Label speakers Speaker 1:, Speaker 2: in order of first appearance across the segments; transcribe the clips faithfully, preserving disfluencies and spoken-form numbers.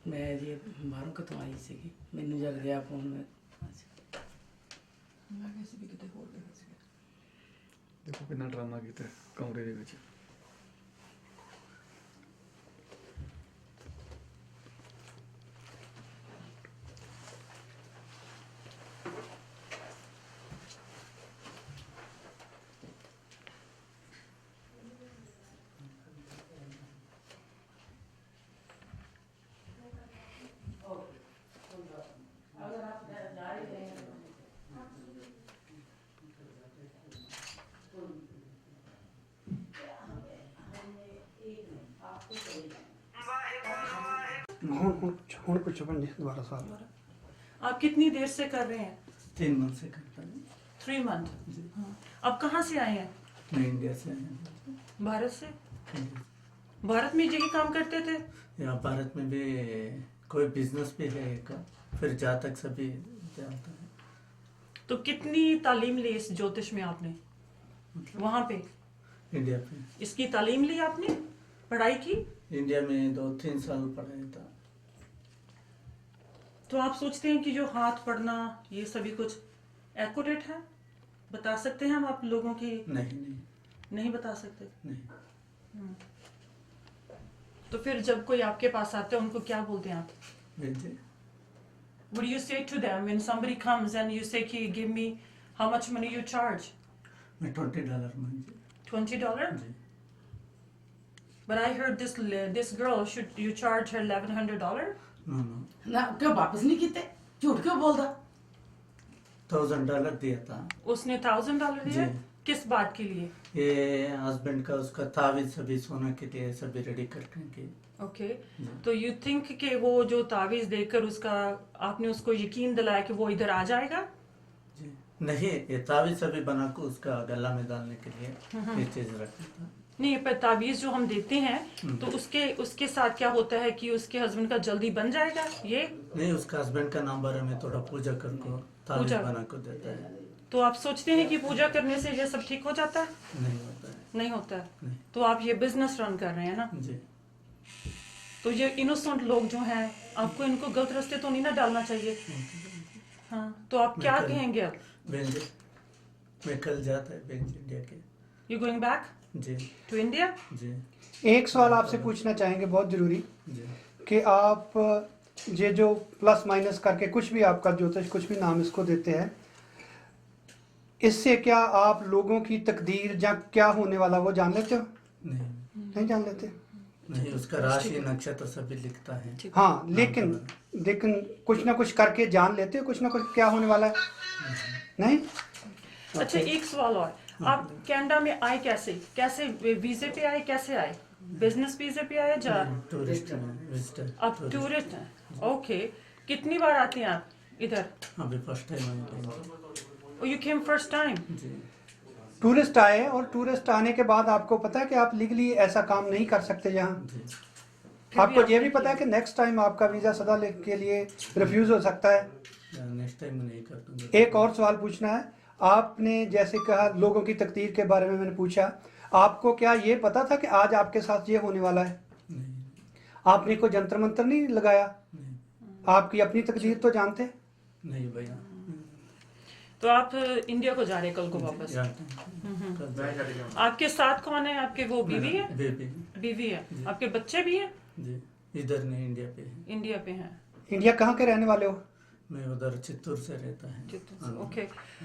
Speaker 1: मैं जी बाहरों कितों आई सी मैनू जग गया फोन में
Speaker 2: मैं वैसे भी कितने होर गए थे।
Speaker 3: देखो कितना ड्रामा किया कमरे ਦੇ ਵਿੱਚ
Speaker 4: ਹੁਣ ਹੁਣ ਹੁਣ ਪੁੱਛੋ ਭੈਣ ਜੀ ਦੁਬਾਰਾ सवाल।
Speaker 2: आप कितनी देर से कर रहे हैं?
Speaker 1: तीन मंथ से करता हूँ
Speaker 2: थ्री मंथ।
Speaker 1: जी।
Speaker 2: हाँ। अब कहाँ से आए हैं?
Speaker 1: मैं इंडिया से आया हूँ।
Speaker 2: भारत से।
Speaker 1: जी।
Speaker 2: भारत में यही काम करते थे?
Speaker 1: यहाँ भारत में भी कोई बिजनेस भी है एक फिर जहाँ तक सभी जानता है।
Speaker 2: तो कितनी तालीम ली इस ज्योतिष में आपने वहाँ पे?
Speaker 1: इंडिया पे
Speaker 2: इसकी तालीम ली आपने, पढ़ाई की?
Speaker 1: इंडिया में दो तीन साल पढ़ाया था।
Speaker 2: तो आप सोचते हैं कि जो हाथ पढ़ना ये सभी कुछ एक्यूरेट है? बता सकते हैं हम आप लोगों की?
Speaker 1: नहीं नहीं
Speaker 2: नहीं बता सकते।
Speaker 1: नहीं।
Speaker 2: तो फिर जब कोई आपके पास आते हैं उनको क्या बोलते हैं आप?
Speaker 1: भेजे
Speaker 2: What do you say to them when somebody comes and you say कि give me how much money you charge?
Speaker 1: मैं ट्वेंटी डॉलर मांगे।
Speaker 2: twenty dollars?
Speaker 1: जी।
Speaker 2: But I heard this this girl should you charge her eleven hundred dollars?
Speaker 1: No no
Speaker 5: ना क्यों वापस नहीं किते झूठ क्यों बोलता
Speaker 1: थाउजेंड डॉलर दिया था।
Speaker 2: उसने thousand dollar दिया?
Speaker 1: जी।
Speaker 2: किस बात के लिए?
Speaker 1: ये हस्बैंड का उसका तावीज सभी सोना के लिए सभी रेडी करके के
Speaker 2: ओके तो यू थिंक कि वो जो तावीज देकर उसका आपने उसको यकीन दिलाया कि वो इधर आ जाएगा?
Speaker 1: जी नहीं ये तावीज सभी बना को उसका गला में डालने के लिए ये चीज रखा था।
Speaker 2: नहीं पर तावीज जो हम देते हैं तो उसके उसके साथ क्या होता है कि उसके हस्बैंड का जल्दी बन जाएगा ये?
Speaker 1: नहीं उसका हस्बैंड का नाम बारे में थोड़ा पूजा कर को तावीज
Speaker 2: पूजा।
Speaker 1: बना को देता है।
Speaker 2: तो आप सोचते हैं कि पूजा करने से ये सब ठीक हो जाता है?
Speaker 1: नहीं होता है।
Speaker 2: नहीं होता है।
Speaker 1: नहीं।
Speaker 2: तो आप ये बिजनेस रन कर रहे हैं ना?
Speaker 1: जी
Speaker 2: तो ये इनोसेंट लोग जो हैं आपको इनको गलत रास्ते तो नहीं ना डालना चाहिए। हाँ तो आप क्या
Speaker 1: मैं कल-
Speaker 2: कहेंगे अब?
Speaker 1: बहन जी मैं कल जाता है बहन जी इंडिया के।
Speaker 2: यू गोइंग बैक
Speaker 1: जी
Speaker 2: टू इंडिया?
Speaker 1: जी
Speaker 4: एक सवाल आपसे पूछना चाहेंगे बहुत ज़रूरी
Speaker 1: जी
Speaker 4: कि आप ये जो प्लस माइनस करके कुछ भी आपका ज्योतिष कुछ भी नाम इसको देते हैं इससे क्या आप लोगों की तकदीर या क्या होने वाला वो जान लेते हो?
Speaker 1: नहीं
Speaker 4: नहीं जान लेते?
Speaker 1: नहीं उसका राशि नक्षत्र सभी लिखता है।
Speaker 4: हाँ लेकिन लेकिन कुछ ना कुछ करके जान लेते हो कुछ ना कुछ क्या होने वाला है? नहीं?
Speaker 2: अच्छा एक सवाल और, आप कनाडा में आए कैसे? कैसे वीजे पे आए? कैसे आए? बिजनेस वीजे पे आए जा?
Speaker 1: टूरिस्ट विजिटर
Speaker 2: आप टूरिस्ट हैं? ओके कितनी बार आते हैं आप इधर?
Speaker 1: अभी फर्स्ट टाइम आए
Speaker 2: यू केम फर्स्ट टाइम?
Speaker 1: जी
Speaker 4: टूरिस्ट आए और टूरिस्ट आने के बाद आपको पता है कि आप लीगली ऐसा काम नहीं कर सकते यहाँ।
Speaker 1: जी
Speaker 4: आपको ये भी पता है कि नेक्स्ट टाइम आपका वीज़ा सदा ले- के लिए रिफ्यूज़ हो सकता है।
Speaker 1: नेक्स्ट टाइम नहीं कर दूंगा।
Speaker 4: एक और सवाल पूछना है आपने जैसे कहा लोगों की तकदीर के बारे में मैंने पूछा आपको क्या ये पता था कि आज आपके साथ ये होने वाला है?
Speaker 1: नहीं
Speaker 4: आपने कोई जंतर मंतर नहीं लगाया?
Speaker 1: नहीं
Speaker 4: आपकी अपनी तकदीर तो जानते?
Speaker 1: नहीं भैया
Speaker 2: तो आप इंडिया को जा रहे हैं कल को वापस?
Speaker 1: जानते हैं। कल जाएगा।
Speaker 2: आपके साथ कौन है? आपके वो बीवी है?
Speaker 1: बेबी
Speaker 2: बीवी है। आपके बच्चे भी हैं?
Speaker 1: जी इधर नहीं इंडिया पे है।
Speaker 2: इंडिया पे हैं।
Speaker 4: इंडिया कहाँ के रहने वाले हो?
Speaker 1: मैं उधर चित्तूर से रहता है।
Speaker 2: चित्तूर से, ओके।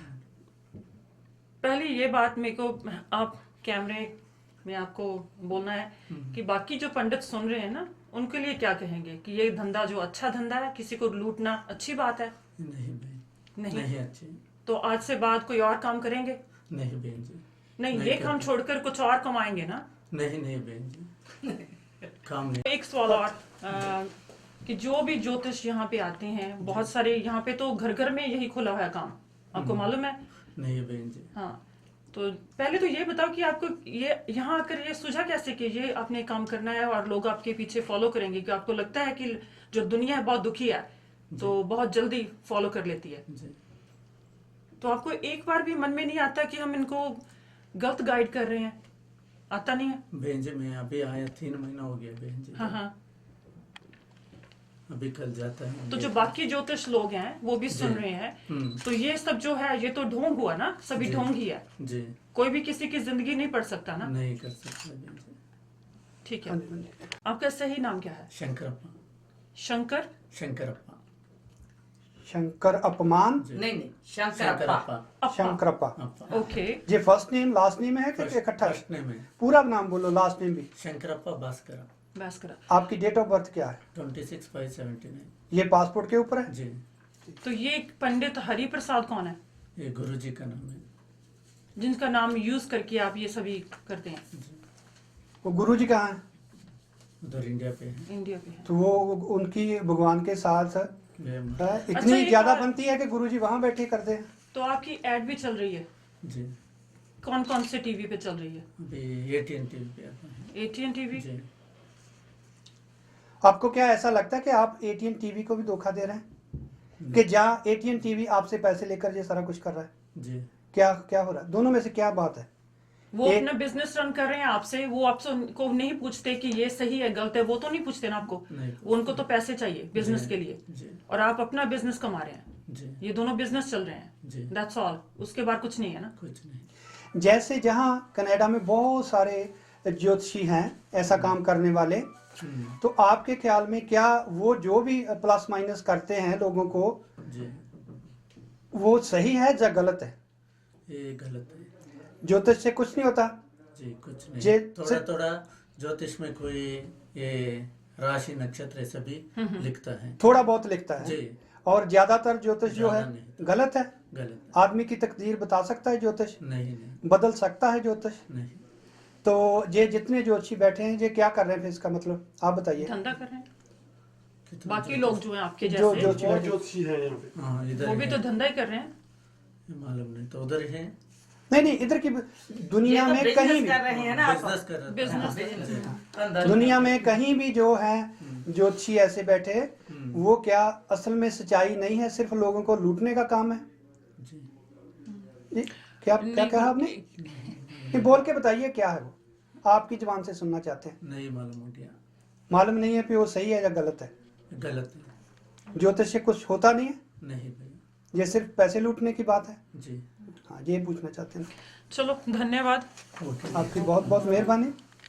Speaker 2: पहले ये बात मेरे को आप कैमरे में आपको बोलना है कि बाकी जो पंडित सुन रहे हैं ना उनके लिए क्या कहेंगे कि ये धंधा जो अच्छा धंधा है किसी को लूटना अच्छी बात है?
Speaker 1: नहीं बहन
Speaker 2: नहीं,
Speaker 1: नहीं अच्छी
Speaker 2: तो आज से बाद कोई और काम करेंगे?
Speaker 1: नहीं बहन जी
Speaker 2: नहीं,
Speaker 1: नहीं
Speaker 2: ये काम
Speaker 1: करते।
Speaker 2: छोड़कर कुछ और कमाएंगे ना?
Speaker 1: नहीं नहीं बहन जी काम नहीं।
Speaker 2: एक सवाल और आ, कि जो भी ज्योतिष यहाँ पे आते हैं बहुत सारे यहाँ पे तो घर घर में यही खुला हुआ है काम, आपको मालूम है?
Speaker 1: नहीं बहन जी
Speaker 2: हाँ तो पहले तो ये बताओ कि आपको ये यहाँ आकर ये सूझा कैसे कि ये आपने काम करना है और लोग आपके पीछे फॉलो करेंगे? कि आपको लगता है कि जो दुनिया है बहुत दुखी है तो बहुत जल्दी फॉलो कर लेती है?
Speaker 1: जी
Speaker 2: तो आपको एक बार भी मन में नहीं आता कि हम इनको गलत गाइड कर रहे हैं? आता नहीं है?
Speaker 1: बहन जी मैं अभी आया तीन महीना हो गया बहन जी।
Speaker 2: हाँ हाँ
Speaker 1: अभी कल जाता है।
Speaker 2: तो जो बाकी ज्योतिष लोग हैं वो भी सुन
Speaker 1: जी।
Speaker 2: रहे हैं,
Speaker 1: हम्म।
Speaker 2: तो ये सब जो है ये तो ढोंग हुआ ना, सभी
Speaker 1: जी।
Speaker 2: ढोंग ही है,
Speaker 1: जी
Speaker 2: कोई भी किसी की जिंदगी नहीं पढ़ सकता ना।
Speaker 1: नहीं कर सकता जी।
Speaker 2: ठीक
Speaker 4: हाँ
Speaker 2: है,
Speaker 4: जी, हाँ जी।
Speaker 2: आपका सही नाम क्या है?
Speaker 1: शंकरप्पा
Speaker 2: शंकर
Speaker 1: शंकरप्पा
Speaker 4: शंकर अपमान
Speaker 1: जी।
Speaker 5: नहीं नहीं शंकरप्पा
Speaker 2: अप्पा।
Speaker 4: शंकरप्पा।
Speaker 1: अप्पा
Speaker 2: ओके,
Speaker 4: ये फर्स्ट नेम लास्ट नेम है कि इकट्ठा है?
Speaker 1: फर्स्ट नेम है
Speaker 4: पूरा नाम बोलो, लास्ट नेम भी।
Speaker 1: शंकरप्पा भास्कर,
Speaker 2: बस करा।
Speaker 4: आपकी डेट ऑफ बर्थ क्या है?
Speaker 1: Twenty six five seventy nine
Speaker 4: ये पासपोर्ट के ऊपर है?
Speaker 1: जी।
Speaker 2: तो ये पंडित हरि प्रसाद कौन है,
Speaker 1: ये गुरु जी का नाम है
Speaker 2: जिनका नाम यूज करके आप ये सभी करते हैं?
Speaker 1: जी।
Speaker 4: वो गुरु जी कहाँ है?
Speaker 1: उधर इंडिया पे है।
Speaker 2: इंडिया पे है।
Speaker 4: तो वो उनकी भगवान के साथ है,
Speaker 1: ये-
Speaker 4: इतनी
Speaker 2: अच्छा, ये
Speaker 4: ज्यादा
Speaker 2: बात-
Speaker 4: बनती है कि गुरु जी वहां बैठे करते हैं।
Speaker 2: तो आपकी एड भी चल रही है,
Speaker 1: जी
Speaker 2: कौन कौन से टीवी पे चल रही है?
Speaker 1: अभी एटीएन टीवी पे आता है
Speaker 2: एटीएन टीवी।
Speaker 1: जी।
Speaker 4: आपको क्या ऐसा लगता है कि आप एटीएन टीवी को भी धोखा दे रहे हैं कि जहाँ एटीएन टीवी आपसे पैसे लेकर ये सारा कुछ कर रहा है?
Speaker 1: जी
Speaker 4: क्या क्या हो रहा है? दोनों में से क्या बात है?
Speaker 2: वो
Speaker 4: एक-
Speaker 2: अपना बिजनेस रन कर रहे हैं आपसे, वो आपसे को नहीं पूछते कि ये सही है गलत है, वो तो नहीं पूछते ना आपको,
Speaker 1: नहीं
Speaker 2: वो उनको तो पैसे चाहिए बिजनेस
Speaker 1: जी,
Speaker 2: के लिए,
Speaker 1: जी
Speaker 2: और आप अपना बिजनेस कमा रहे हैं,
Speaker 1: जी
Speaker 2: ये दोनों बिजनेस चल रहे हैं,
Speaker 1: जी
Speaker 2: दैट्स ऑल, उसके बाद कुछ नहीं है ना।
Speaker 1: कुछ नहीं।
Speaker 4: जैसे जहाँ कनाडा में बहुत सारे ज्योतिषी हैं ऐसा काम करने वाले,
Speaker 1: हम्म,
Speaker 4: तो आपके ख्याल में क्या वो जो भी प्लस माइनस करते हैं लोगों को,
Speaker 1: जी
Speaker 4: वो सही है या गलत है?
Speaker 1: ये गलत है
Speaker 4: ज्योतिष से कुछ नहीं होता?
Speaker 1: जी। कुछ नहीं,
Speaker 4: जे-
Speaker 1: थोड़ा
Speaker 4: से-
Speaker 1: थोड़ा ज्योतिष में कोई ये राशि नक्षत्र सभी लिखता है
Speaker 4: थोड़ा बहुत लिखता है,
Speaker 1: जी।
Speaker 4: और ज्यादातर ज्योतिष जो है
Speaker 1: ज्यादा नहीं।
Speaker 4: गलत है।
Speaker 1: गलत
Speaker 4: आदमी की तकदीर बता सकता है ज्योतिष?
Speaker 1: नहीं नहीं
Speaker 4: बदल सकता है ज्योतिष?
Speaker 1: नहीं।
Speaker 4: तो ये जितने ज्योतिषी बैठे हैं ये क्या कर रहे हैं फिर? इसका मतलब आप बताइए।
Speaker 2: धंधा कर रहे हैं,
Speaker 1: कितना
Speaker 2: बाकी
Speaker 1: ज्योतिष-
Speaker 2: लोग जो हैं आपके
Speaker 4: जो
Speaker 2: जैसे
Speaker 4: ज्योतिषी
Speaker 6: और
Speaker 4: बैठे,
Speaker 6: ज्योतिषी है यहाँ पे।
Speaker 1: हाँ इधर
Speaker 2: वो भी
Speaker 1: है।
Speaker 2: तो धंधा ही कर रहे हैं।
Speaker 1: ये मालूम नहीं, तो उधर है
Speaker 4: नहीं नहीं, इधर की दुनिया
Speaker 5: ये तो
Speaker 4: में
Speaker 5: बिजनेस
Speaker 4: कहीं भी,
Speaker 5: कर रहे हैं ना आप।
Speaker 1: बिजनेस कर रहा था।
Speaker 2: Business
Speaker 5: business.
Speaker 1: जी।
Speaker 5: धंधा।
Speaker 4: दुनिया में कहीं भी जो है ज्योतिषी ऐसे बैठे, वो क्या असल में सच्चाई नहीं है, सिर्फ लोगों को लूटने का काम है?
Speaker 1: जी
Speaker 4: जी, क्या क्या कहा आपने? ये बोल के बताइए क्या है वो, आपकी जुबान से सुनना चाहते हैं।
Speaker 1: नहीं मालूम हो गया।
Speaker 4: मालूम नहीं है कि वो सही है या गलत है?
Speaker 1: गलत है।
Speaker 4: ज्योतिष से कुछ होता नहीं है,
Speaker 1: नहीं भाई।
Speaker 4: ये सिर्फ पैसे लूटने की बात है।
Speaker 1: जी
Speaker 4: हाँ, ये पूछना चाहते हैं।
Speaker 2: चलो धन्यवाद।
Speaker 1: ओके।
Speaker 4: आपकी बहुत बहुत मेहरबानी।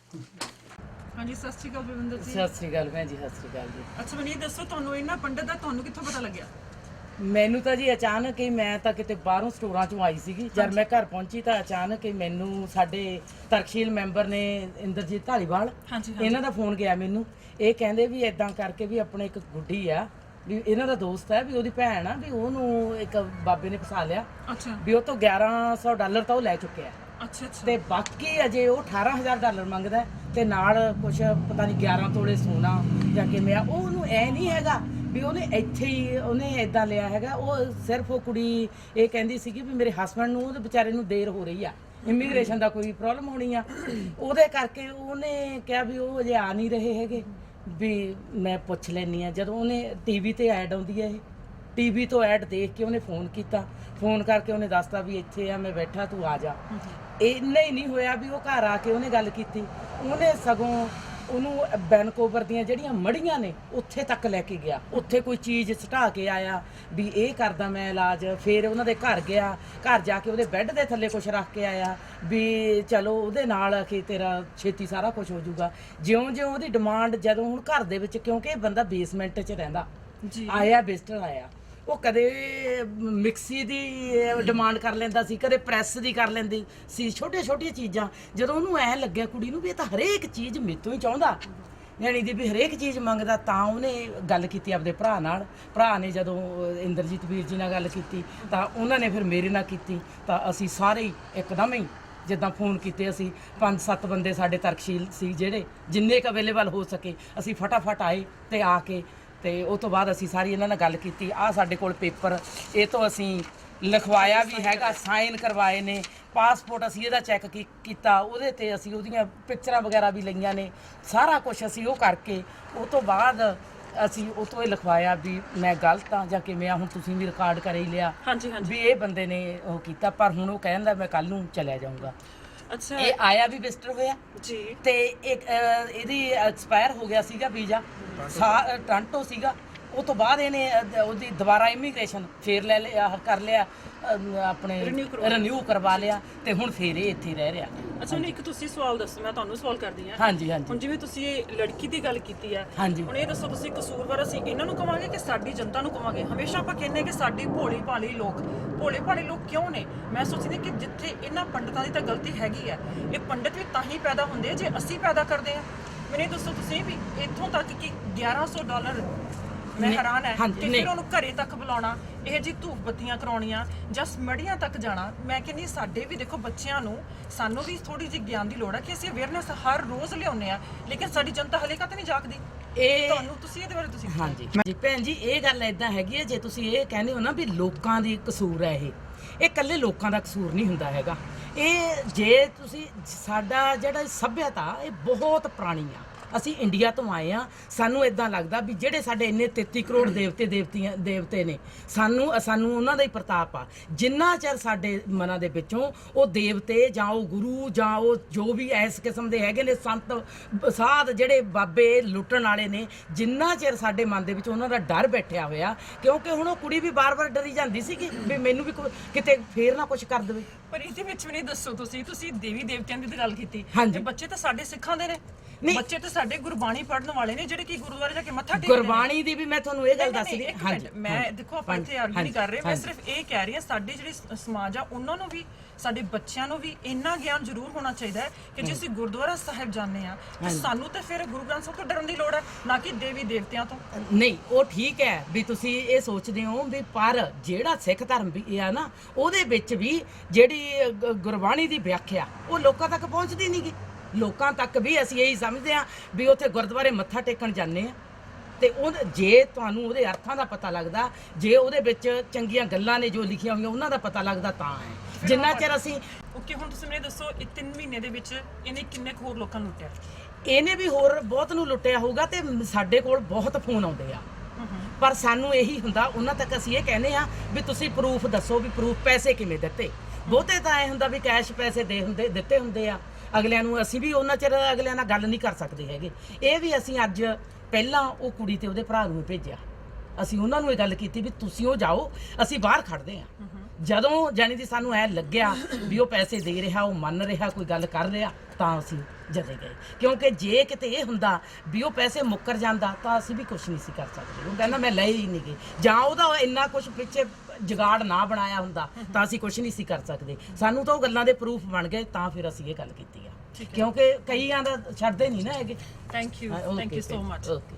Speaker 2: हाँ जी, सत श्री अकाल बलविंदर जी।
Speaker 7: ਸਤਿ ਸ੍ਰੀ ਅਕਾਲ ਭੈਣ ਜੀ, ਸਤਿ ਸ੍ਰੀ ਅਕਾਲ ਜੀ।
Speaker 2: ਅੱਛਾ ਮੈਨੂੰ ਇਹ ਦੱਸੋ, ਤੁਹਾਨੂੰ ਇਹਨਾਂ ਪੰਡਤ ਦਾ ਤੁਹਾਨੂੰ ਕਿੱਥੋਂ ਪਤਾ ਲੱਗਿਆ?
Speaker 7: ਮੈਨੂੰ ਤਾਂ ਜੀ ਅਚਾਨਕ ਹੀ, ਮੈਂ ਤਾਂ ਕਿਤੇ ਬਾਹਰੋਂ ਸਟੋਰਾਂ ਚੋਂ ਆਈ ਸੀਗੀ, ਜਦ ਮੈਂ ਘਰ ਪਹੁੰਚੀ ਤਾਂ ਅਚਾਨਕ ਹੀ ਮੈਨੂੰ ਸਾਡੇ ਤਰਕਸ਼ੀਲ ਮੈਂਬਰ ਨੇ ਇੰਦਰਜੀਤ ਧਾਲੀਵਾਲ,
Speaker 2: ਹਾਂਜੀ,
Speaker 7: ਇਹਨਾਂ ਦਾ ਫੋਨ ਗਿਆ ਮੈਨੂੰ। ਇਹ ਕਹਿੰਦੇ ਵੀ ਇਦਾਂ ਕਰਕੇ ਵੀ ਆਪਣੇ ਇੱਕ ਗੁੱਡੀ ਆ, ਵੀ ਇਹਨਾਂ ਦਾ ਦੋਸਤ ਹੈ, ਵੀ ਉਹਦੀ ਭੈਣ ਆ, ਵੀ ਉਹਨੂੰ ਇੱਕ ਬਾਬੇ ਨੇ ਫਸਾ ਲਿਆ,
Speaker 2: ਅੱਛਾ
Speaker 7: ਵੀ ਉਹ ਤੋਂ ਗਿਆਰਾਂ ਸੌ ਡਾਲਰ ਤਾਂ ਉਹ ਲੈ ਚੁੱਕਿਆ,
Speaker 2: ਅੱਛਾ ਅੱਛਾ।
Speaker 7: ਤੇ ਬਾਕੀ ਅਜੇ ਉਹ ਅਠਾਰਾਂ ਹਜ਼ਾਰ ਡਾਲਰ ਮੰਗਦਾ ਹੈ, ਤੇ ਨਾਲ ਕੁਛ ਪਤਾ ਨਹੀਂ ਗਿਆਰਾਂ ਤੋਲੇ ਸੋਨਾ ਜਾਂ ਕਿਵੇਂ ਆ। ਉਹ ਉਹਨੂੰ ਐ ਨਹੀਂ ਹੈਗਾ ਵੀ ਉਹਨੇ ਇੱਥੇ ਹੀ ਉਹਨੇ ਇਦਾਂ ਲਿਆ ਹੈਗਾ। ਉਹ ਸਿਰਫ ਉਹ ਕੁੜੀ ਇਹ ਕਹਿੰਦੀ ਸੀਗੀ ਵੀ ਮੇਰੇ ਹਸਬੰਡ ਨੂੰ, ਉਹਦੇ ਵਿਚਾਰੇ ਨੂੰ ਦੇਰ ਹੋ ਰਹੀ ਆ, ਇਮੀਗ੍ਰੇਸ਼ਨ ਦਾ ਕੋਈ ਪ੍ਰੋਬਲਮ ਹੋਣੀ ਆ, ਉਹਦੇ ਕਰਕੇ ਉਹਨੇ ਕਿਹਾ ਵੀ ਉਹ ਅਜੇ ਆ ਨਹੀਂ ਰਹੇ ਹੈਗੇ, ਵੀ ਮੈਂ ਪੁੱਛ ਲੈਣੀ ਆ। ਜਦੋਂ ਉਹਨੇ ਟੀਵੀ ਤੇ ਐਡ ਆਉਂਦੀ ਹੈ, ਇਹ ਟੀਵੀ ਤੋਂ ਐਡ ਦੇਖ ਕੇ ਉਹਨੇ ਫੋਨ ਕੀਤਾ, ਫੋਨ ਕਰਕੇ ਉਹਨੇ ਦੱਸਤਾ ਵੀ ਇੱਥੇ ਆ, ਮੈਂ ਬੈਠਾ, ਤੂੰ ਆ ਜਾ। ਇੰਨਾ ਹੀ ਨਹੀਂ ਹੋਇਆ ਵੀ ਉਹ ਘਰ ਆ ਕੇ ਉਹਨੇ ਗੱਲ ਕੀਤੀ, ਉਹਨੇ ਸਗੋਂ ਉਹਨੂੰ ਵੈਨਕੂਵਰ ਦੀਆਂ ਜਿਹੜੀਆਂ ਮੜੀਆਂ ਨੇ ਉੱਥੇ ਤੱਕ ਲੈ ਕੇ ਗਿਆ, ਉੱਥੇ ਕੋਈ ਚੀਜ਼ ਸਟਾ ਕੇ ਆਇਆ ਵੀ ਇਹ ਕਰਦਾ ਮੈਂ ਇਲਾਜ। ਫਿਰ ਉਹਨਾਂ ਦੇ ਘਰ ਗਿਆ, ਘਰ ਜਾ ਕੇ ਉਹਦੇ ਬੈੱਡ ਦੇ ਥੱਲੇ ਕੁਝ ਰੱਖ ਕੇ ਆਇਆ ਵੀ ਚਲੋ ਉਹਦੇ ਨਾਲ ਕਿ ਤੇਰਾ ਛੇਤੀ ਸਾਰਾ ਕੁਝ ਹੋ ਜਾਊਗਾ। ਜਿਉਂ-ਜਿਉਂ ਉਹਦੀ ਡਿਮਾਂਡ, ਜਦੋਂ ਹੁਣ ਘਰ ਦੇ ਵਿੱਚ, ਕਿਉਂਕਿ ਇਹ ਬੰਦਾ ਬੇਸਮੈਂਟ 'ਚ ਰਹਿੰਦਾ,
Speaker 2: ਜੀ
Speaker 7: ਆਇਆ ਵਿਜ਼ਟਰ ਆਇਆ, ਉਹ ਕਦੇ ਮਿਕਸੀ ਦੀ ਡਿਮਾਂਡ ਕਰ ਲੈਂਦਾ ਸੀ, ਕਦੇ ਪ੍ਰੈਸ ਦੀ ਕਰ ਲੈਂਦੀ ਸੀ, ਛੋਟੀਆਂ ਛੋਟੀਆਂ ਚੀਜ਼ਾਂ। ਜਦੋਂ ਉਹਨੂੰ ਐ ਲੱਗਿਆ ਕੁੜੀ ਨੂੰ ਵੀ ਇਹ ਤਾਂ ਹਰੇਕ ਚੀਜ਼ ਮੇਤੋਂ ਹੀ ਚਾਹੁੰਦਾ, ਯਾਨੀ ਦੀ ਵੀ ਹਰੇਕ ਚੀਜ਼ ਮੰਗਦਾ, ਤਾਂ ਉਹਨੇ ਗੱਲ ਕੀਤੀ ਆਪਦੇ ਭਰਾ ਨਾਲ। ਭਰਾ ਨੇ ਜਦੋਂ ਇੰਦਰਜੀਤ ਵੀਰ ਜੀ ਨਾਲ ਗੱਲ ਕੀਤੀ ਤਾਂ ਉਹਨਾਂ ਨੇ ਫਿਰ ਮੇਰੇ ਨਾਲ ਕੀਤੀ, ਤਾਂ ਅਸੀਂ ਸਾਰੇ ਹੀ ਇੱਕਦਮ ਹੀ ਜਿੱਦਾਂ ਫੋਨ ਕੀਤੇ, ਅਸੀਂ ਪੰਜ ਸੱਤ ਬੰਦੇ ਸਾਡੇ ਤਰਕਸ਼ੀਲ ਸੀ, ਜਿਹੜੇ ਜਿੰਨੇ ਕੁ ਅਵੇਲੇਬਲ ਹੋ ਸਕੇ ਅਸੀਂ ਫਟਾਫਟ ਆਏ ਤੇ ਆ ਕੇ, ਤੇ ਉਸ ਤੋਂ ਬਾਅਦ ਅਸੀਂ ਸਾਰੀ ਇਹਨਾਂ ਨਾਲ ਗੱਲ ਕੀਤੀ। ਆਹ ਸਾਡੇ ਕੋਲ ਪੇਪਰ, ਇਹ ਤੋਂ ਅਸੀਂ ਲਿਖਵਾਇਆ ਵੀ ਹੈਗਾ, ਸਾਈਨ ਕਰਵਾਏ ਨੇ, ਪਾਸਪੋਰਟ ਅਸੀਂ ਇਹਦਾ ਚੈੱਕ ਕੀਤਾ, ਉਹਦੇ ਤੇ ਅਸੀਂ ਉਹਦੀਆਂ ਪਿਕਚਰਾਂ ਵਗੈਰਾ ਵੀ ਲਈਆਂ ਨੇ, ਸਾਰਾ ਕੁਝ ਅਸੀਂ ਉਹ ਕਰਕੇ ਉਸ ਤੋਂ ਬਾਅਦ ਅਸੀਂ ਉਹ ਤੋਂ ਇਹ ਲਿਖਵਾਇਆ ਵੀ ਮੈਂ ਗਲਤ ਹਾਂ ਜਾਂ ਕਿਵੇਂ ਆ। ਹੁਣ ਤੁਸੀਂ ਵੀ ਰਿਕਾਰਡ ਕਰ ਹੀ ਲਿਆ
Speaker 2: ਹਾਂਜੀ ਹਾਂਜੀ।
Speaker 7: ਵੀ ਇਹ ਬੰਦੇ ਨੇ ਉਹ ਕੀਤਾ, ਪਰ ਹੁਣ ਉਹ ਕਹਿੰਦਾ ਮੈਂ ਕੱਲ ਨੂੰ ਚਲਿਆ ਜਾਊਂਗਾ।
Speaker 2: ਅੱਛਾ
Speaker 7: ਇਹ ਆਇਆ ਵੀ ਵਿਜ਼ਟਰ ਹੋਇਆ
Speaker 2: ਜੀ
Speaker 7: ਤੇ ਇੱਕ ਅਹ, ਇਹਦੀ ਐਕਸਪਾਇਰ ਹੋ ਗਿਆ ਸੀਗਾ ਵੀਜ਼ਾ ਸਾ ਟਾਂਟੋ ਸੀਗਾ। ਉਹ ਤੋਂ ਬਾਅਦ ਇਹਨੇ ਅਹ, ਉਹਦੀ ਦੁਬਾਰਾ ਇਮੀਗ੍ਰੇਸ਼ਨ ਫੇਰ ਲੈ ਲਿਆ ਆਹ ਕਰ ਲਿਆ ਅਹ, ਆਪਣੇ
Speaker 2: Renew ਕਰਵਾ
Speaker 7: ਰਿਨਿਊ ਕਰਵਾ ਲਿਆ ਤੇ ਹੁਣ ਫੇਰ ਇਹ ਇੱਥੇ ਰਹਿ ਰਿਹਾ।
Speaker 2: ਅੱਛਾ ਹੁਣ ਇੱਕ ਤੁਸੀਂ ਸਵਾਲ ਦੱਸੋ, ਮੈਂ ਤੁਹਾਨੂੰ ਸਵਾਲ ਕਰਦੀ ਹਾਂ।
Speaker 7: ਹਾਂਜੀ ਹਾਂਜੀ
Speaker 2: ਹੁਣ ਜਿਵੇਂ ਤੁਸੀਂ ਇਹ ਲੜਕੀ ਦੀ ਗੱਲ ਕੀਤੀ ਹੈ,
Speaker 7: ਹਾਂਜੀ।
Speaker 2: ਹੁਣ ਇਹ ਦੱਸੋ ਤੁਸੀਂ ਕਸੂਰਵਾਰ ਅਸੀਂ ਇਹਨਾਂ ਨੂੰ ਕਵਾਂਗੇ ਕਿ ਸਾਡੀ ਜਨਤਾ ਨੂੰ ਕਵਾਂਗੇ? ਹਮੇਸ਼ਾ ਆਪਾਂ ਕਹਿੰਦੇ ਕਿ ਸਾਡੀ ਭੋਲੀ ਭਾਲੀ ਲੋਕ, ਭੋਲੇ ਭਾਲੇ ਲੋਕ ਕਿਉਂ ਨੇ? ਮੈਂ ਸੋਚਦੀ ਕਿ ਜਿੱਥੇ ਇਹਨਾਂ ਪੰਡਤਾਂ ਦੀ ਤਾਂ ਗਲਤੀ ਹੈਗੀ ਹੈ, ਇਹ ਪੰਡਤ ਵੀ ਤਾਂ ਹੀ ਪੈਦਾ ਹੁੰਦੇ ਆ ਜੇ ਅਸੀਂ ਪੈਦਾ ਕਰਦੇ ਆ। ਮੈਨੂੰ ਇਹ ਦੱਸੋ ਤੁਸੀਂ ਵੀ ਇੱਥੋਂ ਤੱਕ ਕਿ ਗਿਆਰਾਂ ਸੌ ਡਾਲਰ, ਮੈਂ
Speaker 7: ਨਹੀਂ,
Speaker 2: ਹੈਰਾਨ ਹੈ
Speaker 7: ਹਾਂਜੀ,
Speaker 2: ਕਿ
Speaker 7: ਨਹੀਂ।
Speaker 2: ਫਿਰ ਉਹਨੂੰ ਘਰੇ ਤੱਕ ਬੁਲਾਉਣਾ, ਇਹ ਜੀ ਧੂਪ ਬੱਤੀਆਂ ਕਰਾਉਣੀਆਂ ਜਾਂ ਸਮੜੀਆਂ ਤੱਕ ਜਾਣਾ। ਮੈਂ ਕਹਿੰਦੀ ਸਾਡੇ ਵੀ ਦੇਖੋ ਬੱਚਿਆਂ ਨੂੰ, ਸਾਨੂੰ ਵੀ ਥੋੜੀ ਜਿਹੀ ਗਿਆਨ ਦੀ ਲੋੜ ਹੈ ਕਿ ਅਸੀਂ ਅਵੇਅਰਨੈਸ ਹਰ ਰੋਜ਼ ਲਿਆਉਂਦੇ ਆ, ਲੇਕਿਨ ਸਾਡੀ ਜਨਤਾ ਹਲੇ ਤੱਕ ਨਹੀਂ ਜਾਗਦੀ।
Speaker 7: ਇਹ
Speaker 2: ਤੁਹਾਨੂੰ ਤੁਸੀਂ ਇਹਦੇ ਬਾਰੇ ਤੁਸੀਂ
Speaker 7: ਹਾਂਜੀ ਜੀ ਭੈਣ ਜੀ, ਇਹ ਗੱਲ ਐਦਾਂ ਹੈਗੀ ਹੈ, ਜੇ ਤੁਸੀਂ ਇਹ ਕਹਿੰਦੇ ਹੋ ਨਾ ਵੀ ਲੋਕਾਂ ਦੀ ਕਸੂਰ ਹੈ, ਇਹ ਇਹ ਇਕੱਲੇ ਲੋਕਾਂ ਦਾ ਕਸੂਰ ਨਹੀਂ ਹੁੰਦਾ ਹੈਗਾ। ਇਹ ਜੇ ਤੁਸੀਂ ਸਾਡਾ ਜਿਹੜਾ ਸੱਭਿਅਤਾ ਇਹ ਬਹੁਤ ਪੁਰਾਣੀ ਆ, ਅਸੀਂ ਇੰਡੀਆ ਤੋਂ ਆਏ ਆ, ਸਾਨੂੰ ਇਦਾਂ ਲੱਗਦਾ ਵੀ ਜਿਹੜੇ ਸਾਡੇ ਇੰਨੇ ਤੇਤੀ ਕਰੋੜ ਦੇਵਤੇ ਦੇਵਤੀਆਂ ਦੇਵਤੇ ਨੇ, ਸਾਨੂੰ ਸਾਨੂੰ ਉਹਨਾਂ ਦਾ ਹੀ ਪ੍ਰਤਾਪ ਆ। ਜਿੰਨਾ ਚਿਰ ਸਾਡੇ ਮਨਾਂ ਦੇ ਵਿੱਚੋਂ ਉਹ ਦੇਵਤੇ ਜਾਂ ਉਹ ਗੁਰੂ ਜਾਂ ਉਹ ਜੋ ਵੀ ਇਸ ਕਿਸਮ ਦੇ ਹੈਗੇ ਨੇ ਸੰਤ ਸਾਧ ਜਿਹੜੇ ਬਾਬੇ ਲੁੱਟਣ ਵਾਲੇ ਨੇ, ਜਿੰਨਾ ਚਿਰ ਸਾਡੇ ਮਨ ਦੇ ਵਿੱਚ ਉਹਨਾਂ ਦਾ ਡਰ ਬੈਠਿਆ ਹੋਇਆ, ਕਿਉਂਕਿ ਹੁਣ ਉਹ ਕੁੜੀ ਵੀ ਬਾਰ-ਬਾਰ ਡਰੀ ਜਾਂਦੀ ਸੀਗੀ ਵੀ ਮੈਨੂੰ ਵੀ ਕੋਈ ਕਿਤੇ ਫੇਰ ਨਾ ਕੁਝ ਕਰ ਦੇਵੇ।
Speaker 2: ਪਰ ਇਹਦੇ ਵਿੱਚ ਵੀ ਨਹੀਂ ਦੱਸੋ ਤੁਸੀਂ ਤੁਸੀਂ ਦੇਵੀ ਦੇਵਤਿਆਂ ਦੀ ਤਾਂ ਗੱਲ ਕੀਤੀ,
Speaker 7: ਹਾਂਜੀ।
Speaker 2: ਤੇ ਬੱਚੇ ਤਾਂ ਸਾਡੇ ਸਿੱਖਾਂ ਦੇ ਨੇ,
Speaker 7: ਨਹੀਂ।
Speaker 2: ਬੱਚੇ ਤਾਂ ਸਾਡੇ ਗੁਰਬਾਣੀ ਪੜਨ ਵਾਲੇ ਨੇ ਜਿਹੜੇ ਕਿ ਗੁਰਦੁਆਰੇ ਜਾ ਕੇ ਮੱਥਾ ਟੇਕਦੇ ਨੇ।
Speaker 7: ਗੁਰਬਾਣੀ ਦੀ ਵੀ ਮੈਂ ਤੁਹਾਨੂੰ ਇਹ ਗੱਲ
Speaker 2: ਨਹੀਂ,
Speaker 7: ਦੱਸ
Speaker 2: ਨਹੀਂ,
Speaker 7: ਰਹੀ
Speaker 2: ਇੱਕ ਮਿੰਟ, ਮੈਂ ਦੇਖੋ ਆਪਾਂ ਇੱਥੇ ਆਰਗੂ ਨਹੀਂ ਕਰ ਰਹੇ, ਮੈਂ ਸਿਰਫ ਇਹ ਕਹਿ ਰਹੀ ਹਾਂ ਸਾਡੇ ਜਿਹੜੇ ਸ- ਸਮਾਜ ਆ ਉਹਨਾਂ ਨੂੰ ਵੀ, ਸਾਡੇ ਬੱਚਿਆਂ ਨੂੰ ਵੀ ਇੰਨਾ ਗਿਆਨ ਜ਼ਰੂਰ ਹੋਣਾ ਚਾਹੀਦਾ ਹੈ ਕਿ ਜੇ ਅਸੀਂ ਗੁਰਦੁਆਰਾ ਸਾਹਿਬ ਜਾਂਦੇ ਆ ਤੇ ਸਾਨੂੰ ਤਾਂ ਫਿਰ ਗੁਰੂ ਗ੍ਰੰਥ ਸਾਹਿਬ ਤੋਂ ਡਰਨ ਦੀ ਲੋੜ ਹੈ, ਨਾ ਕਿ ਦੇਵੀ ਦੇਵਤਿਆਂ ਤੋਂ।
Speaker 7: ਨਹੀਂ, ਉਹ ਠੀਕ ਹੈ ਵੀ ਤੁਸੀਂ ਇਹ ਸੋਚਦੇ ਹੋ ਵੀ, ਪਰ ਜਿਹੜਾ ਸਿੱਖ ਧਰਮ ਵੀ ਆ ਨਾ, ਉਹਦੇ ਵਿੱਚ ਵੀ ਜਿਹੜੀ ਗ- ਗੁਰਬਾਣੀ ਦੀ ਵਿਆਖਿਆ ਉਹ ਲੋਕਾਂ ਤੱਕ ਪਹੁੰਚਦੀ ਨਹੀਂ ਗੀ। ਲੋਕਾਂ ਤੱਕ ਵੀ ਅਸੀਂ ਇਹੀ ਸਮਝਦੇ ਆ ਵੀ ਉੱਥੇ ਗੁਰਦੁਆਰੇ ਮੱਥਾ ਟੇਕਣ ਜਾਂਦੇ ਆ ਤੇ ਉਹ ਜੇ ਤੁਹਾਨੂੰ ਉਹਦੇ ਅਰਥਾਂ ਦਾ ਪਤਾ ਲੱਗਦਾ, ਜੇ ਉਹਦੇ ਵਿੱਚ ਚੰਗੀਆਂ ਗੱਲਾਂ ਨੇ ਜੋ ਲਿਖੀਆਂ ਹੋਈਆਂ ਉਹਨਾਂ ਦਾ ਪਤਾ ਲੱਗਦਾ ਤਾਂ ਹੈ। ਜਿੰਨਾ ਚਿਰ ਅਸੀਂ
Speaker 2: ਓਕੇ, ਹੁਣ ਤੁਸੀਂ ਮੈਨੂੰ ਦੱਸੋ ਇਹ ਤਿੰਨ ਮਹੀਨੇ ਦੇ ਵਿੱਚ ਇਹਨੇ ਕਿੰਨੇ ਕੁ ਹੋਰ ਲੋਕਾਂ ਨੂੰ ਲੁੱਟਿਆ?
Speaker 7: ਇਹਨੇ ਵੀ ਹੋਰ ਬਹੁਤ ਨੂੰ ਲੁੱਟਿਆ ਹੋਊਗਾ ਤੇ ਸਾਡੇ ਕੋਲ ਬਹੁਤ ਫੋਨ ਆਉਂਦੇ ਆ, ਪਰ ਸਾਨੂੰ ਇਹੀ ਹੁੰਦਾ, ਉਹਨਾਂ ਤੱਕ ਅਸੀਂ ਇਹ ਕਹਿੰਦੇ ਆ ਵੀ ਤੁਸੀਂ ਪ੍ਰੂਫ ਦੱਸੋ ਵੀ ਪ੍ਰੂਫ ਪੈਸੇ ਕਿਵੇਂ ਦਿੱਤੇ। ਬਹੁਤੇ ਤਾਂ ਐ ਹੁੰਦਾ ਵੀ ਕੈਸ਼ ਪੈਸੇ ਦੇ ਹੁੰਦੇ ਦਿੱਤੇ ਹੁੰਦੇ ਆ ਅਗਲਿਆਂ ਨੂੰ, ਅਸੀਂ ਵੀ ਉਹਨਾਂ ਚਿਰ ਅਗਲਿਆਂ ਨਾਲ ਗੱਲ ਨਹੀਂ ਕਰ ਸਕਦੇ ਹੈਗੇ। ਇਹ ਵੀ ਅਸੀਂ ਅੱਜ ਪਹਿਲਾਂ ਉਹ ਕੁੜੀ ਤੇ ਉਹਦੇ ਭਰਾ ਨੂੰ ਭੇਜਿਆ, ਅਸੀਂ ਉਹਨਾਂ ਨੂੰ ਇਹ ਗੱਲ ਕੀਤੀ ਵੀ ਤੁਸੀਂ ਉਹ ਜਾਓ, ਅਸੀਂ ਬਾਹਰ ਖੜਦੇ ਆ। ਜਦੋਂ ਜਾਨੀ ਦੀ ਸਾਨੂੰ ਐ ਲੱਗਿਆ ਵੀ ਉਹ ਪੈਸੇ ਦੇ ਰਿਹਾ, ਉਹ ਮੰਨ ਰਿਹਾ, ਕੋਈ ਗੱਲ ਕਰ ਰਿਹਾ, ਤਾਂ ਅਸੀਂ ਜਦੇ ਗਏ। ਕਿਉਂਕਿ ਜੇ ਕਿਤੇ ਇਹ ਹੁੰਦਾ ਵੀ ਉਹ ਪੈਸੇ ਮੁੱਕਰ ਜਾਂਦਾ ਤਾਂ ਅਸੀਂ ਵੀ ਕੁਝ ਨਹੀਂ ਸੀ ਕਰ ਸਕਦੇ। ਉਹ ਕਹਿੰਦਾ ਮੈਂ ਲਏ ਹੀ ਨਹੀਂ ਗਏ, ਜਾਂ ਉਹਦਾ ਇੰਨਾ ਕੁਝ ਪਿੱਛੇ ਜਗਾੜ ਨਾ ਬਣਾਇਆ ਹੁੰਦਾ ਤਾਂ ਅਸੀਂ ਕੁਝ ਨਹੀਂ ਸੀ ਕਰ ਸਕਦੇ। ਸਾਨੂੰ ਤਾਂ ਉਹ ਗੱਲਾਂ ਦੇ ਪ੍ਰੂਫ ਬਣ ਗਏ, ਤਾਂ ਫਿਰ ਅਸੀਂ ਇਹ ਗੱਲ ਕੀਤੀ ਆ, ਕਿਉਂਕਿ ਕਈਆਂ ਦਾ ਛੱਡਦੇ ਨਹੀਂ ਨਾ ਹੈਗੇ।
Speaker 2: Thank you, thank you so much.